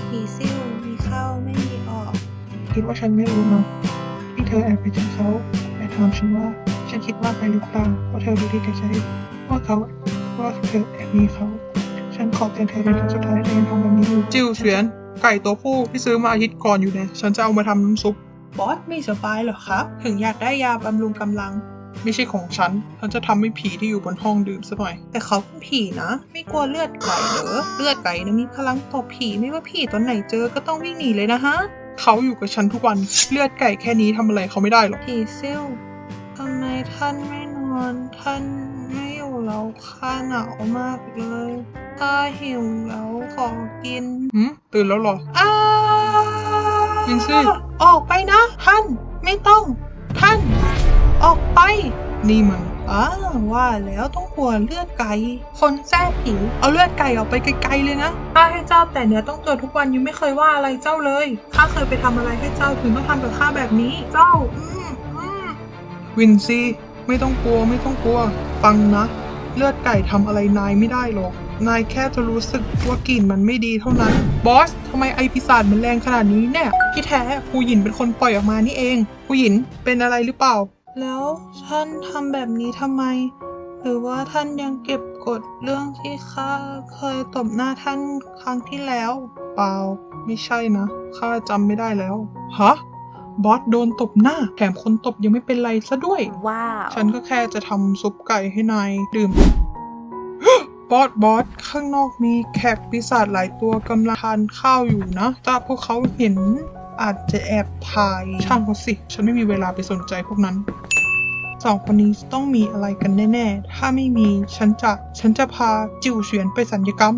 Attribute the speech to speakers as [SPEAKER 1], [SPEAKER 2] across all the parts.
[SPEAKER 1] ผีซิ่วมีเข้าไม่มีออก
[SPEAKER 2] คิดว่าฉันไม่รู้เนาะที่เธอแอบไปเจอเขาไปถามฉันว่าฉันคิดมากไปหรือเปล่าว่าเธอรู้ดีกับใจว่าเธอแอบมีเขาฉันขอเตือนเธอเป็นครั้งสุดท้ายเธอยังทำแบบนี้อยู่
[SPEAKER 3] จิวเฉียนไก่ตัวผู้ที่ซื้อมาอาทิตย์ก่อนอยู่เนี่ยฉันจะเอามาทำน้ำซุป
[SPEAKER 2] บอสไม่สบายเหรอครับถึงอยากได้ยาบำรุงกำลัง
[SPEAKER 3] ไม่ใช่ของฉันจะทำให้ผีที่อยู่บนห้องดื่มซะหน่อย
[SPEAKER 2] แต่เขาเป็นผีนะไม่กลัวเลือดไก่เหรอเลือดไก่นะมีพลังต่อผีไม่ว่าผีตอนไหนเจอก็ต้องวิ่งหนีเลยนะฮะ
[SPEAKER 3] เขาอยู่กับฉันทุกวันเลือดไก่แค่นี้ทำอะไรเขาไม่ได้หรอก
[SPEAKER 2] ผีซิ่วทำไมท่านไม่นอนท่านไม่อยู่แล้วข้าหนาวมากเลยข้าหิวแล้วขอกิน
[SPEAKER 3] ตื่นแล้วเหรอ
[SPEAKER 2] อ้า
[SPEAKER 3] กินสิ
[SPEAKER 2] ออกไปนะท่านไม่ต้องท่านออกไป
[SPEAKER 3] นี่มัน
[SPEAKER 2] ว่าแล้วต้องกลัวเลือดไก่ คนแท้ผีเอาเลือดไก่ออกไปไกลๆเลยนะข้าให้เจ้าแต่เนื้อต้องตัวทุกวันยังไม่เคยว่าอะไรเจ้าเลยข้าเคยไปทำอะไรให้เจ้าถึงต้องทำกับข้าแบบนี้ เจ้า
[SPEAKER 3] วินซี่ไม่ต้องกลัวฟังนะเลือดไก่ทำอะไรนายไม่ได้หรอกนายแค่จะรู้สึกว่ากลิ่นมันไม่ดีเท่านั้นบอสทำไมไอปีศาจมันแรงขนาดนี้เนี่ยที่แท้ผู้หญินเป็นคนปล่อยออกมานี่เองผู้หญินเป็นอะไรหรือเปล่า
[SPEAKER 2] แล้วท่านทำแบบนี้ทำไมหรือว่าท่านยังเก็บกดเรื่องที่ข้าเคยตบหน้าท่านครั้งที่แล้ว
[SPEAKER 3] เปล่าไม่ใช่นะข้าจำไม่ได้แล้วฮะบอสโดนตบหน้าแถมคนตบยังไม่เป็นไรซะด้วย
[SPEAKER 1] ว้าว
[SPEAKER 3] ฉันก็แค่จะทำซุปไก่ให้นายดื่ม บอสข้างนอกมีแขกปีศาจหลายตัวกำลังทานข้าวอยู่นะถ้าพวกเขาเห็นอาจจะแอบถ่ายช่างเขาสิฉันไม่มีเวลาไปสนใจพวกนั้นสองคนนี้ต้องมีอะไรกันแน่ๆถ้าไม่มีฉันจะพาจิวเฉียนไปสัญญกรรม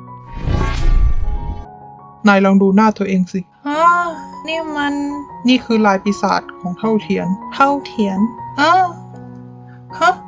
[SPEAKER 3] นายลองดูหน้าตัวเองสินี่คือลายปีศาจของเท่าเทียน
[SPEAKER 2] ฮะ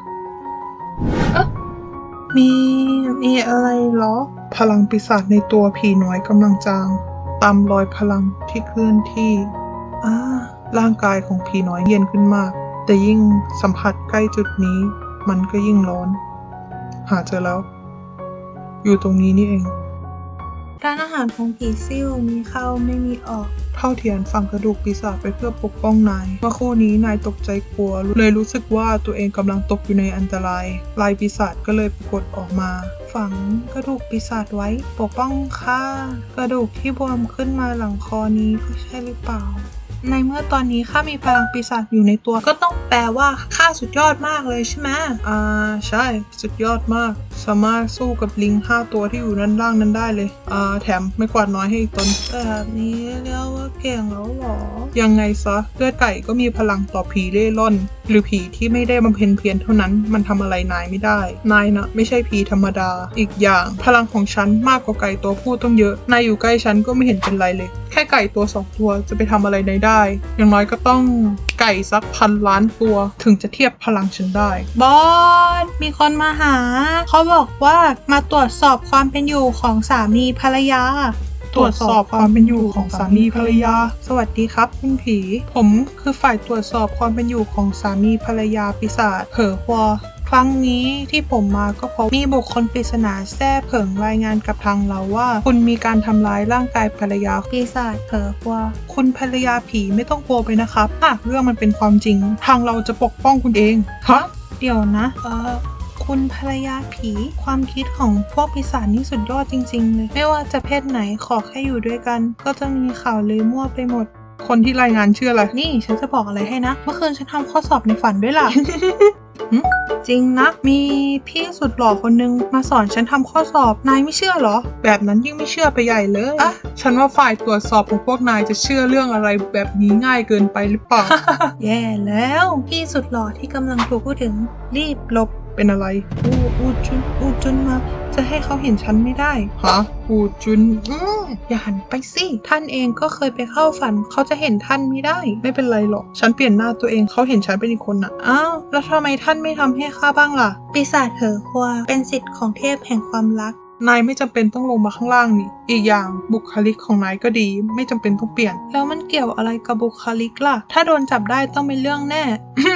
[SPEAKER 2] มีอะไรเหรอ
[SPEAKER 3] พลังปีศาจในตัวผีน้อยกำลังจางตามรอยพลังที่เคลื่อนที่ร่างกายของผีน้อยเย็นขึ้นมากแต่ยิ่งสัมผัสใกล้จุดนี้มันก็ยิ่งร้อนหาเจอแล้วอยู่ตรงนี้นี่เอง
[SPEAKER 2] ร้านอาหารของผีซิ่วมีเข้าไม่มีออก
[SPEAKER 3] เท่าเทียนฝังกระดูกปีศาจไปเพื่อปกป้องนายเมื่อคู่นี้นายตกใจกลัวเลยรู้สึกว่าตัวเองกำลังตกอยู่ในอันตรายลายปีศาจก็เลยปรากฏออกมาฝังกระดูกปีศาจไว้ปกป้องข้ากระดูกที่บวมขึ้นมาหลังคอนี้ก็ใช่หรือเปล่าในเมื่อตอนนี้ข้ามีพลังปีศาจอยู่ในตัวก็ต้องแปลว่าข้าสุดยอดมากเลยใช่ไหมใช่สุดยอดมากสามารถสู้กับลิง5 ตัวที่อยู่ด้านล่างนั้นได้เลยแถมไม่กวาดน้อยให้อีกตนแบบนี้เรียกว่าเก่งแล้วหรอยังไงซะเลือดไก่ก็มีพลังต่อผีเร่ร่อนหรือผีที่ไม่ได้บำเพ็ญเพียรเท่านั้นมันทำอะไรนายไม่ได้นายนะไม่ใช่ผีธรรมดาอีกอย่างพลังของฉันมากกว่าไก่ตัวผู้ต้องเยอะนายอยู่ใกล้ฉันก็ไม่เห็นเป็นไรเลยแค่ไก่ตัว2 ตัวจะไปทำอะไรนายได้อย่างน้อยก็ต้องไก่สัก1,000 ล้านตัวถึงจะเทียบพลังฉันได้
[SPEAKER 2] บอสมีคนมาหาเขาบอกว่ามาตรวจสอบความเป็นอยู่ของสามีภรรยา
[SPEAKER 3] ตรวจสอบความเป็นอยู่ของสามีภรรยา
[SPEAKER 2] สวัสดีครับคุณผีผมคือฝ่ายตรวจสอบความเป็นอยู่ของสามีภรรยาปีศาจเผอหัวครั้งนี้ที่ผมมาก็เพราะมีบุคคลปริศนาแท้เผิงรายงานกับทางเราว่าคุณมีการทำร้ายร่างกายภรรยาปีศาจเผอหัวคุณภรรยาผีไม่ต้องกลัวไปนะครับหากเรื่องมันเป็นความจริงทางเราจะปกป้องคุณเองฮะเดี๋ยวนะคุณภรรยาผีความคิดของพวกปีศาจนี่สุดยอดจริงๆเลยไม่ว่าจะเพศไหนขอแค่อยู่ด้วยกันก็จะมีข่าวลือมั่วไปหมด
[SPEAKER 3] คนที่รายงานชื่ออะไร
[SPEAKER 2] นี่ฉันจะบอกอะไรให้นะเมื่อคืนฉันทำข้อสอบในฝันด้วยล่ะ จริงนะมีพี่สุดหล่อคนนึงมาสอนฉันทำข้อสอบนายไม่เชื่อเหรอ
[SPEAKER 3] แบบนั้นยิ่งไม่เชื่อไปใหญ่เลยฉันว่าฝ่ายตรวจสอบของพวกนายจะเชื่อเรื่องอะไรแบบนี้ง่ายเกินไปหรือเปล่า
[SPEAKER 2] แย่แล้วพี่สุดหล่อที่กำลังถูกพูดถึงรีบหลบ
[SPEAKER 3] เป็นอะไร
[SPEAKER 2] อูจุนมาจะให้เขาเห็นฉันไม่ได้
[SPEAKER 3] ฮะอูจุน
[SPEAKER 2] อย่าหันไปสิท่านเองก็เคยไปเข้าฝันเขาจะเห็นท่านไม่ได้
[SPEAKER 3] ไม่เป็นไรหรอกฉันเปลี่ยนหน้าตัวเองเขาเห็นฉันเป็นอีกคนน่ะ
[SPEAKER 2] แล้วทำไมท่านไม่ทำให้ข้าบ้างล่ะปีศาจเผอหัวเป็นสิทธิ์ของเทพแห่งความรัก
[SPEAKER 3] นายไม่จำเป็นต้องลงมาข้างล่างนี่อีกอย่างบุคลิกของนายก็ดีไม่จำเป็นต้องเปลี่ยน
[SPEAKER 2] แล้วมันเกี่ยวอะไรกับบุคลิกล่ะถ้าโดนจับได้ต้องเป็นเรื่องแน่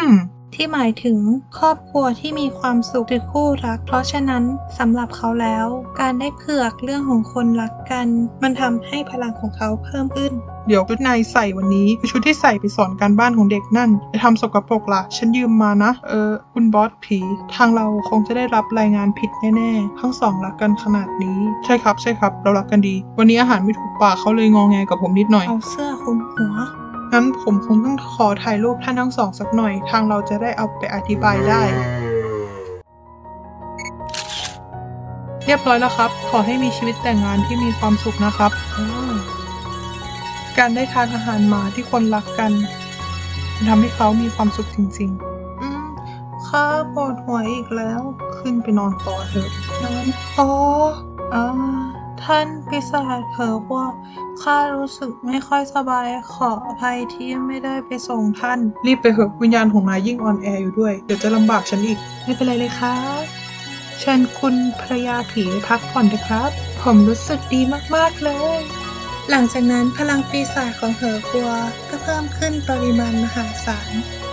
[SPEAKER 1] ที่หมายถึงครอบครัวที่มีความสุขหรือคู่รัก เพราะฉะนั้นสำหรับเขาแล้ว การได้เผือกเรื่องของคนรักกัน มันทำให้พลังของเขาเพิ่มขึ้น
[SPEAKER 2] เดี๋ยวชุดนายใส่วันนี้คือชุดที่ใส่ไปสอนการบ้านของเด็กนั่นจะทำสกปรกล่ะ ฉันยืมมานะ คุณบอสผี ทางเราคงจะได้รับรายงานผิดแน่ๆ ทั้งสองรักกันขนาดนี้ ใช่ครับ เรารักกันดี วันนี้อาหารไม่ถูกปากเขาเลยงอแงกับผมนิดหน่อย
[SPEAKER 1] เอาเสื้อคลุมหัว
[SPEAKER 2] งั้นผมคงต้องขอถ่ายรูปท่านทั้งสองสักหน่อย ทางเราจะได้เอาไปอธิบายได้ เรียบร้อยแล้วครับ ขอให้มีชีวิตแต่งงานที่มีความสุขนะครับ การได้ทานอาหารหมาที่คนรักกันมันทำให้เขามีความสุขจริงๆข้าปวดหัวอีกแล้ว ขึ้นไปนอนต่อเถอะนอนท่านปีศาจเผลอว่าข้ารู้สึกไม่ค่อยสบาย ขออภัยที่ไม่ได้ไปส่งท่าน รีบไปเถอะวิญญาณของนายยิ่งอ่อนแออยู่ด้วย เดี๋ยวจะลำบากฉันอีก ไม่เป็นไรเลยครับเชิญคุณภรรยาผีไปพักผ่อนเถอะครับ ผมรู้สึกดีมากๆเลย
[SPEAKER 1] หลังจากนั้นพลังปีศาจของเหอกัวก็เพิ่มขึ้นปริมาณมหาศาล